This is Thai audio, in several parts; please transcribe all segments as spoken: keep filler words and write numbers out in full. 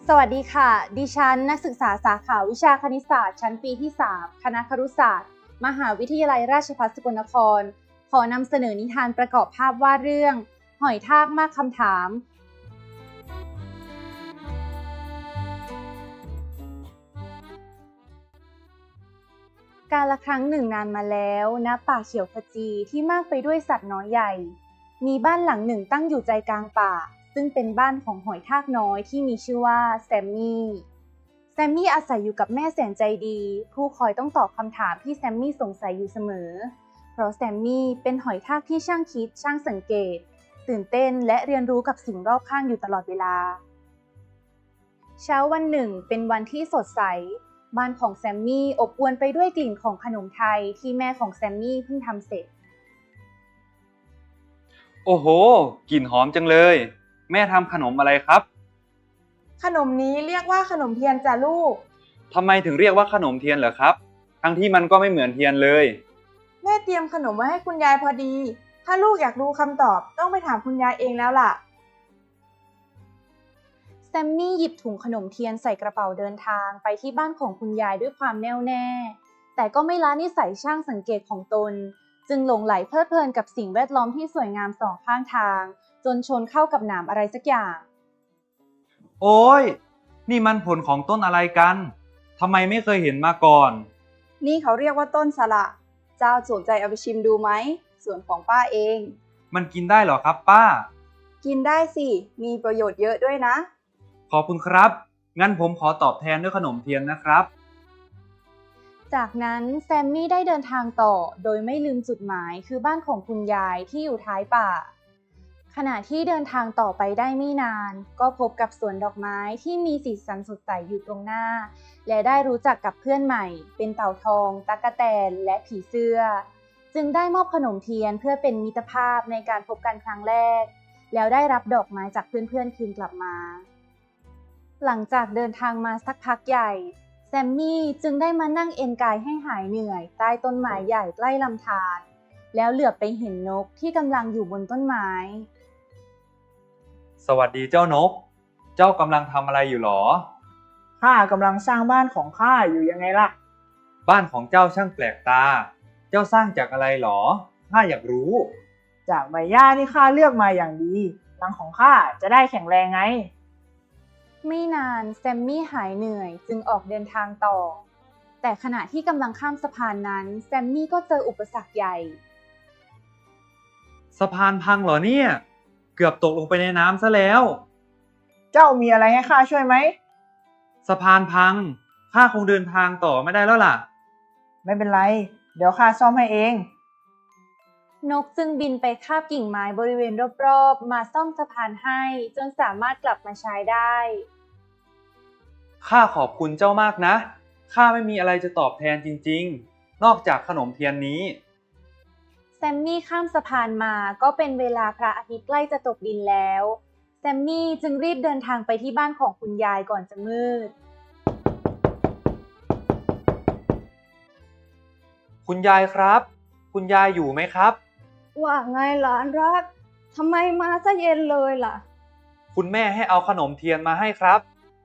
สวัสดีค่ะดิฉันนักศึกษาสาขาวิชาคณิตศาสตร์ชั้นปีที่สามคณะครุศาสตร์มหาวิทยาลัยราชภัฏสกลนครขอนำเสนอนิทานประกอบภาพวาดเรื่องหอยทากมากคำถามกาลครั้งหนึ่งนานมาแล้วณป่าเขียวขจีที่มากไปด้วยสัตว์น้อยใหญ่มีบ้านหลังหนึ่งตั้งอยู่ใจกลางป่าซึ่งเป็นบ้านของหอยทากน้อยที่มีชื่อว่าแซมมี่แซมมี่อาศัยอยู่กับแม่แสนใจดีผู้คอยต้องตอบคำถามที่แซมมี่สงสัยอยู่เสมอเพราะแซมมี่เป็นหอยทากที่ช่างคิดช่างสังเกตตื่นเต้นและเรียนรู้กับสิ่งรอบข้างอยู่ตลอดเวลาเช้าวันหนึ่งเป็นวันที่สดใสบ้านของแซมมี่อบอวลไปด้วยกลิ่นของขนมไทยที่แม่ของแซมมี่เพิ่งทำเสร็จโอ้โหกลิ่นหอมจังเลยแม่ทำขนมอะไรครับขนมนี้เรียกว่าขนมเทียนจ้ะลูกทำไมถึงเรียกว่าขนมเทียนเหรอครับทั้งที่มันก็ไม่เหมือนเทียนเลยแม่เตรียมขนมไว้ให้คุณยายพอดีถ้าลูกอยากรู้คำตอบต้องไปถามคุณยายเองแล้วล่ะแซมมี่หยิบถุงขนมเทียนใส่กระเป๋าเดินทางไปที่บ้านของคุณยายด้วยความแน่วแน่แต่ก็ไม่ละนิสัยช่างสังเกตของตนจึงหลงไหลเพลิดเพลินกับสิ่งแวดล้อมที่สวยงามสองข้างทางจนชนเข้ากับหนามอะไรสักอย่างโอ้ยนี่มันผลของต้นอะไรกันทำไมไม่เคยเห็นมาก่อนนี่เขาเรียกว่าต้นสละเจ้าสนใจเอาไปชิมดูไหมส่วนของป้าเองมันกินได้เหรอครับป้ากินได้สิมีประโยชน์เยอะด้วยนะขอบคุณครับงั้นผมขอตอบแทนด้วยขนมเทียนนะครับจากนั้นแซมมี่ได้เดินทางต่อโดยไม่ลืมจุดหมายคือบ้านของคุณยายที่อยู่ท้ายป่าขณะที่เดินทางต่อไปได้ไม่นานก็พบกับสวนดอกไม้ที่มีสีสันสดใสอยู่ตรงหน้าและได้รู้จักกับเพื่อนใหม่เป็นเต่าทองตั๊กแตนและผีเสื้อจึงได้มอบขนมเทียนเพื่อเป็นมิตรภาพในการพบกันครั้งแรกแล้วได้รับดอกไม้จากเพื่อนๆคืนกลับมาหลังจากเดินทางมาสักพักใหญ่แซมมี่จึงได้มานั่งเอนกายให้หายเหนื่อยใต้ต้นไม้ใหญ่ใกล้ลำธารแล้วเหลือบไปเห็นนกที่กำลังอยู่บนต้นไม้สวัสดีเจ้านกเจ้ากำลังทำอะไรอยู่หรอข้ากำลังสร้างบ้านของข้าอยู่ยังไงล่ะบ้านของเจ้าช่างแปลกตาเจ้าสร้างจากอะไรหรอข้าอยากรู้จากใบหญ้าที่ข้าเลือกมาอย่างดีหลังของข้าจะได้แข็งแรงไงไม่นานแซมมี่หายเหนื่อยจึงออกเดินทางต่อแต่ขณะที่กำลังข้ามสะพานนั้นแซมมี่ก็เจออุปสรรคใหญ่สะพานพังเหรอเนี่ยเกือบตกลงไปในน้ำซะแล้วเจ้ามีอะไรให้ข้าช่วยไหมสะพานพังข้าคงเดินทางต่อไม่ได้แล้วล่ะไม่เป็นไรเดี๋ยวข้าซ่อมให้เองนกจึงบินไปคาบกิ่งไม้บริเวณรอบๆมาซ่อมสะพานให้จนสามารถกลับมาใช้ได้ข้าขอบคุณเจ้ามากนะข้าไม่มีอะไรจะตอบแทนจริงๆนอกจากขนมเทียนนี้แซมมี่ข้ามสะพานมาก็เป็นเวลาพระอาทิตย์ใกล้จะตกดินแล้วแซมมี่จึงรีบเดินทางไปที่บ้านของคุณยายก่อนจะมืดคุณยายครับคุณยายอยู่ไหมครับว่าไงหลานรักทำไมมาซะเย็นเลยล่ะคุณแม่ให้เอาขนมเทียนมาให้ครับ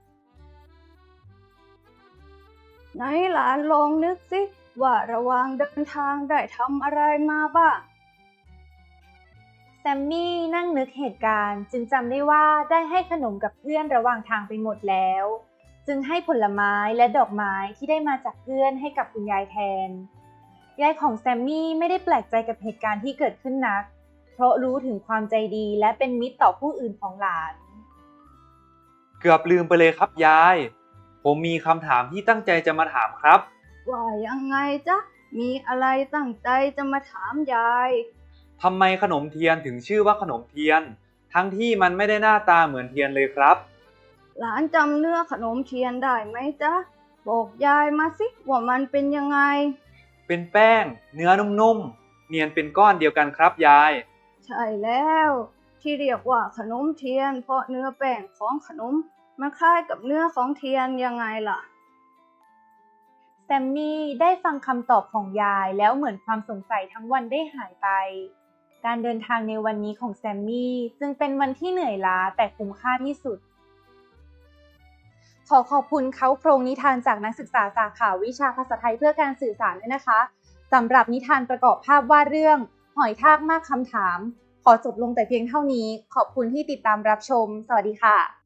ไหนหลานลองนึกสิว่าระหว่างเดินทางได้ทำอะไรมาบ้างแซมมี่นั่งนึกเหตุการณ์จึงจำได้ว่าได้ให้ขนมกับเพื่อนระหว่างทางไปหมดแล้วจึงให้ผลไม้และดอกไม้ที่ได้มาจากเพื่อนให้กับคุณยายแทนยายของแซมมี่ไม่ได้แปลกใจกับเหตุการณ์ที่เกิดขึ้นนักเพราะรู้ถึงความใจดีและเป็นมิตรต่อผู้อื่นของหลานเกือบลืมไปเลยครับยายผมมีคำถามที่ตั้งใจจะมาถามครับว่ายังไงจ๊ะมีอะไรตั้งใจจะมาถามยายทำไมขนมเทียนถึงชื่อว่าขนมเทียนทั้งที่มันไม่ได้หน้าตาเหมือนเทียนเลยครับหลานจำเนื้อขนมเทียนได้ไหมจ๊ะบอกยายมาสิว่ามันเป็นยังไงเป็นแป้งเนื้อนุ่มๆเนียนเป็นก้อนเดียวกันครับยายใช่แล้วที่เรียกว่าขนมเทียนเพราะเนื้อแป้งของขนมมันคล้ายกับเนื้อของเทียนยังไงล่ะแซมมี่ได้ฟังคำตอบของยายแล้วเหมือนความสงสัยทั้งวันได้หายไปการเดินทางในวันนี้ของแซมมี่จึงเป็นวันที่เหนื่อยล้าแต่คุ้มค่าที่สุดอขอบคุณเขาโครงนิทานจากนักศึกษาสาขาวิชาภาษาไทยเพื่อการสื่อสารด้วยนะคะสำหรับนิทานประกอบภาพวาดเรื่องหอยทากมากคำถามขอจบลงแต่เพียงเท่านี้ขอบคุณที่ติดตามรับชมสวัสดีค่ะ